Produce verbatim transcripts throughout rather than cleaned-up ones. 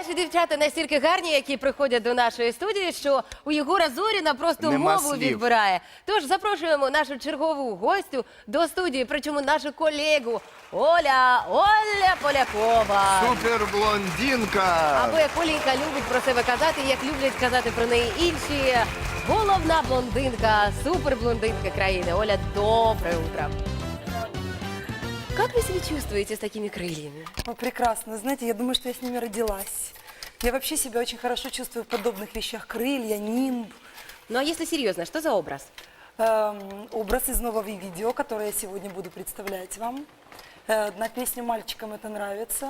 Наші дівчата настільки гарні, які приходять до нашої студії, що у Єгора Зоріна просто Нема мову слів. відбирає. Тож запрошуємо нашу чергову гостю до студії, причому нашу колегу Оля, Оля Полякова. Суперблондинка! Або як Оленька любить про себе казати, як люблять казати про неї інші. Головна блондинка, суперблондинка країни. Оля, доброе утро. Как вы себя чувствуете с такими крыльями? Ну, прекрасно. Знаете, я думаю, что я с ними родилась. Я вообще себя очень хорошо чувствую в подобных вещах. Крылья, нимб. Ну а если серьезно, что за образ? Эм, образ из нового видео, которое я сегодня буду представлять вам. Э, на песню «Мальчикам это нравится».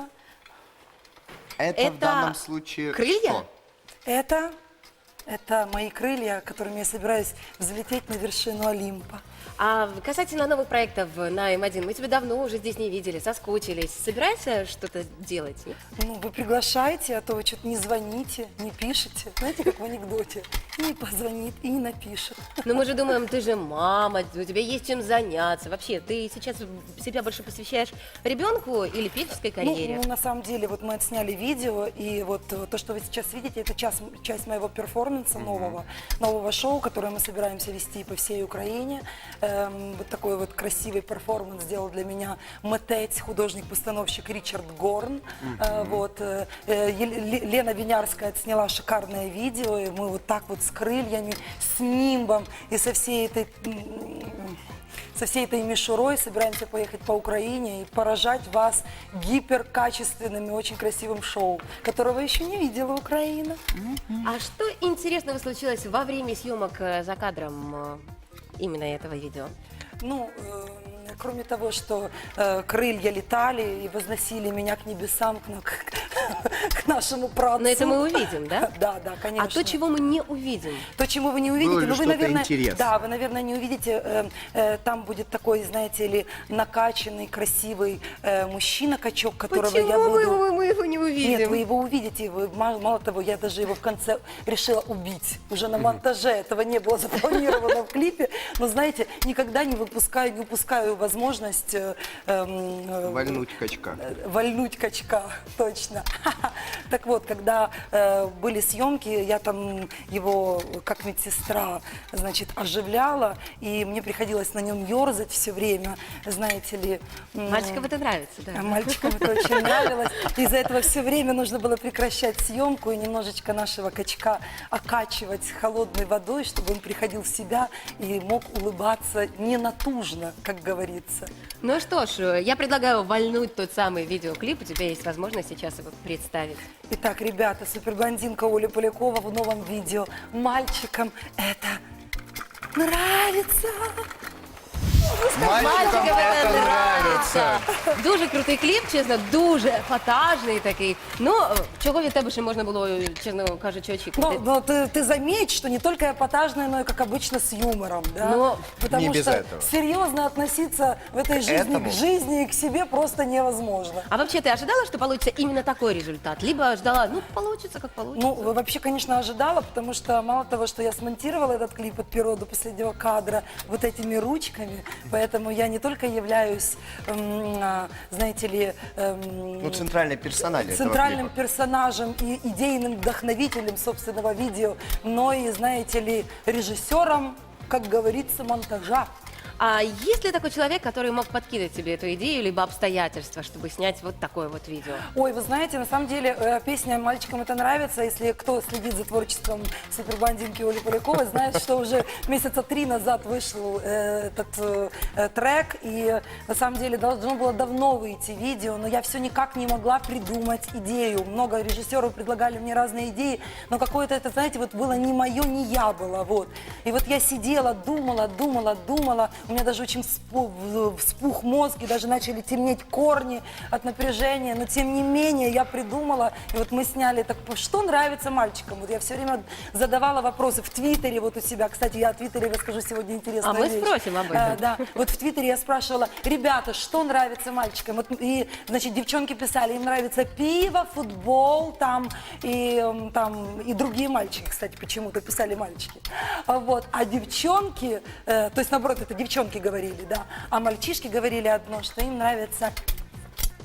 Это, Это в данном случае крылья? что? Это, это мои крылья, которыми я собираюсь взлететь на вершину Олимпа. А касательно новых проектов на эм один, мы тебя давно уже здесь не видели, соскучились. Собираешься что-то делать? Нет? Ну, вы приглашаете, а то вы что-то не звоните, не пишете. Знаете, как в анекдоте. Не позвонит и не напишет. Но мы же думаем, ты же мама, у тебя есть чем заняться. Вообще, ты сейчас себя больше посвящаешь ребенку или певческой карьере? Ну, ну, на самом деле, вот мы отсняли видео, и вот э, то, что вы сейчас видите, это часть, часть моего перформанса нового, нового шоу, которое мы собираемся вести по всей Украине. Эм, вот такой вот красивый перформанс сделал для меня митець, художник-постановщик Ричард Горн. Э, вот, э, э, Ел- Лена Винярская отсняла шикарное видео, и мы вот так вот с крыльями, с нимбом и со всей этой... м, со всей этой мишурой собираемся поехать по Украине и поражать вас гиперкачественным и очень красивым шоу, которого еще не видела Украина. А что интересного случилось во время съемок э, за кадром э, именно этого видео? Ну, э, кроме того, что э, крылья летали и возносили меня к небесам, к, на- к, к нашему праотцу. Но это мы увидим, да? Да, да, конечно. А то, чего мы не увидим? То, чего вы не увидите, Было ли ну вы, что-то наверное, интересное? да, вы, наверное, не увидите. Э, э, там будет такой, знаете ли, накачанный, красивый э, мужчина-качок, которого Почему я буду. мы, его, мы его не увидим? Нет, вы его увидите. Вы, мало, мало того, я даже его в конце решила убить. Уже на монтаже этого не было запланировано в клипе. Но знаете, никогда не выпускаю, не упускаю возможность э, э, Вальнуть качка. э, вальнуть качка, точно. Так вот, когда э, были съемки, я там его как медсестра, значит, оживляла, и мне приходилось на нем ерзать все время, знаете ли. м, Мальчикам это нравится, да. а Мальчикам это очень нравилось. Из-за этого все время нужно было прекращать съемку и немножечко нашего качка окачивать холодной водой, чтобы он приходил в себя и мог улыбаться ненатужно, как говорится. Ну что ж, я предлагаю вальнуть тот самый видеоклип. У тебя есть возможность сейчас его представить. Итак, ребята, суперблондинка Оля Полякова в новом видео. Мальчикам это нравится. Мальчикам це нравиться. Дуже крутий кліп, чесно, дуже фатажний такий. Ну, чого від тебе ще можна було, чесно кажучи, очікувати? Но, но ты, ты заметь, что не только эпатажная, но и, как обычно, с юмором. Да? Но Потому не без что этого. серьезно относиться в этой жизни этому? к жизни и к себе просто невозможно. А вообще ты ожидала, что получится именно такой результат? Либо ждала, ну, получится, как получится? Ну, вообще, конечно, ожидала, потому что мало того, что я смонтировала этот клип от первого до последнего кадра вот этими ручками, поэтому я не только являюсь, м, а, знаете ли, эм, Ну, центральный персонаж этого центральным клипа. персонажем и идейным вдохновителем собственного видео, но и, знаете ли, режиссером, как говорится, монтажа. А есть ли такой человек, который мог подкинуть тебе эту идею, либо обстоятельства, чтобы снять вот такое вот видео? Ой, вы знаете, на самом деле э, песня «Мальчикам это нравится». Если кто следит за творчеством суперблондинки Оли Поляковой, знает, что уже месяца три назад вышел э, этот э, э, трек. И на самом деле должно было давно выйти видео, но я все никак не могла придумать идею. Много режиссеров предлагали мне разные идеи, но какое-то это, знаете, вот было не мое, не я было. Вот. И вот я сидела, думала, думала, думала. У меня даже очень вспух, вспух мозг, и даже начали темнеть корни от напряжения. Но тем не менее я придумала, и вот мы сняли так, что нравится мальчикам. Вот я все время задавала вопросы в Твиттере вот у себя. Кстати, я о Твиттере расскажу сегодня интересную А мы вещь. спросим об этом. Э, да, вот в Твиттере я спрашивала: ребята, что нравится мальчикам? Вот, и, значит, девчонки писали, им нравится пиво, футбол, там, и, м, там, и другие мальчики, кстати, почему-то писали мальчики. А Вот. А девчонки, э, то есть, наоборот, это девчонки говорили, да, а мальчишки говорили одно, что им нравится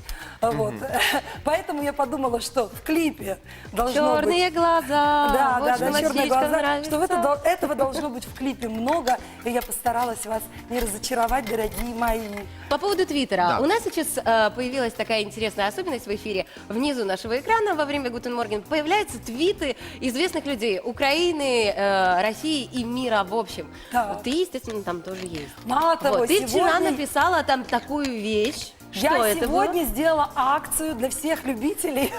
Вот. Поэтому я подумала, что в клипе должно быть... Черные глаза. Да, вот да, что да, черные мальчишкам глаза, нравится. что это, дол- этого должно быть в клипе много, и я постаралась вас не разочаровать, дорогие мои. По поводу Твиттера. Да. У нас сейчас э, появилась такая интересная особенность в эфире. Внизу нашего экрана во время Гутен Морген появляются твиты известных людей Украины, э, России и мира в общем. Да. Ты, естественно, там тоже есть. Мало того, Вот, ты вчера сегодня... написала там такую вещь. Что Я это сегодня было? сделала акцию для всех любителей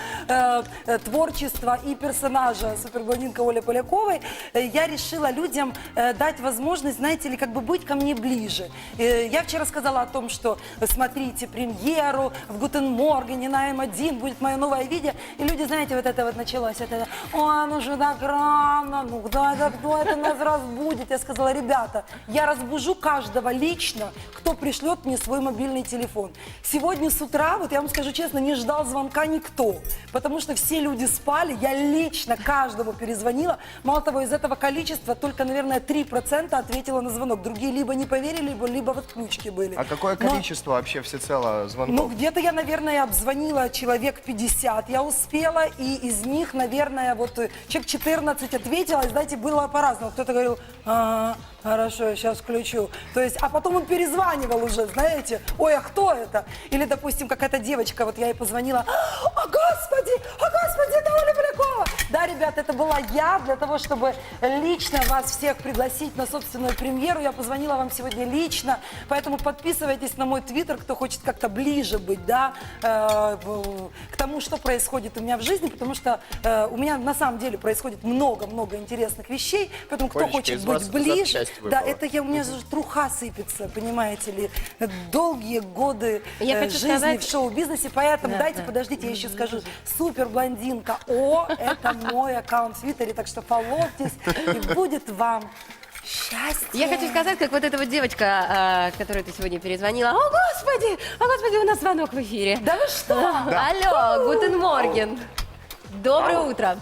э, э, творчества и персонажа суперблондинка Оли Поляковой. Э, Я решила людям э, дать возможность, знаете ли, как бы быть ко мне ближе. Э, Я вчера сказала о том, что э, смотрите премьеру в Гутен Моргене на эм один, будет мое новое видео. И люди, знаете, вот это вот началось. Это, ой, ну же так рано, ну кто это, кто это нас разбудит? Я сказала, ребята, я разбужу каждого лично, кто пришлет мне свой мобильный телефон. Сегодня с утра, вот я вам скажу честно, не ждал звонка никто, потому что все люди спали, я лично каждому перезвонила. Мало того, из этого количества только, наверное, три процента ответила на звонок. Другие либо не поверили, либо, либо в отключке были. А какое Но- количество вообще всецело Ну, звонков? где-то я, наверное, обзвонила человек пятьдесят, я успела, и из них, наверное, вот э, человек четырнадцать ответила, и, знаете, было по-разному. Кто-то говорил, ага, хорошо, я сейчас включу. То есть, а потом он перезванивал уже, знаете, ой, а кто это? Или, допустим, какая-то девочка, вот я ей позвонила, о, господи, о, господи, это Оля Полякова. Да, ребят, это была я, для того, чтобы лично вас всех пригласить на собственную премьеру. Я позвонила вам сегодня лично, поэтому подписывайтесь на мой твиттер, кто хочет как-то ближе быть, да, э, в- к тому, что происходит у меня в жизни, потому что э, у меня на самом деле происходит много-много интересных вещей, поэтому кто Олечка, хочет из быть вас ближе, запчасть да, выпала. это я, у меня же труха сыпется, понимаете ли, долгие годы Я э, хочу жизни сказать- в шоу-бизнесе, поэтому Да, дайте, да. подождите, я еще скажу, супер блондинка О, это мой аккаунт в Твиттере, так что фолловьтесь, и будет вам счастье. Я хочу сказать, как вот эта вот девочка, э, которой ты сегодня перезвонила. О, господи! О, господи, у нас звонок в эфире. Да вы что? Алло, Гутен Морген. Доброе Алло. утро.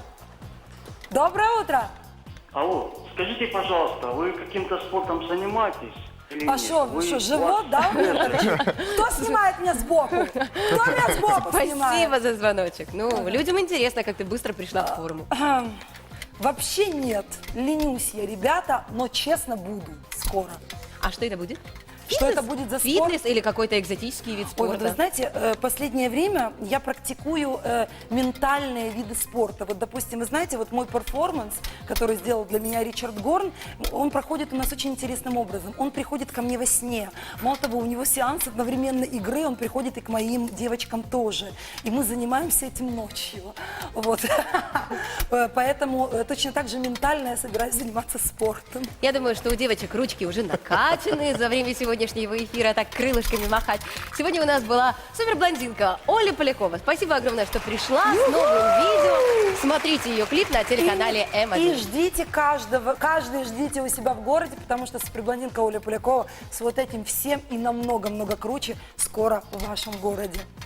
Доброе утро. Алло, скажите, пожалуйста, вы каким-то спортом занимаетесь? Или А нет? что, Вы- что, ваш- живот, да? у меня торчит? Кто снимает меня сбоку? Кто меня сбоку Спасибо снимает? за звоночек. Ну, людям интересно, как ты быстро пришла в форму. Ахм. Вообще нет, ленюсь я, ребята, но честно буду скоро. А что это будет? Что Фитнес? это будет за спорт? Фитнес или какой-то экзотический вид Ой, спорта? вот вы знаете, э, последнее время я практикую э, ментальные виды спорта. Вот, допустим, вы знаете, вот мой перформанс, который сделал для меня Ричард Горн, он проходит у нас очень интересным образом. Он приходит ко мне во сне. Мало того, у него сеанс одновременно игры, он приходит и к моим девочкам тоже. И мы занимаемся этим ночью. Вот. Э, Поэтому э, точно так же ментально я собираюсь заниматься спортом. Я думаю, что у девочек ручки уже накачаны за время сегодняшнего эфира, так крылышками махать. Сегодня у нас была суперблондинка Оля Полякова. Спасибо огромное, что пришла с новым видео. Смотрите ее клип на телеканале эм И один. ждите каждого, каждый ждите у себя в городе, потому что суперблондинка Оля Полякова с вот этим всем и намного-много круче скоро в вашем городе.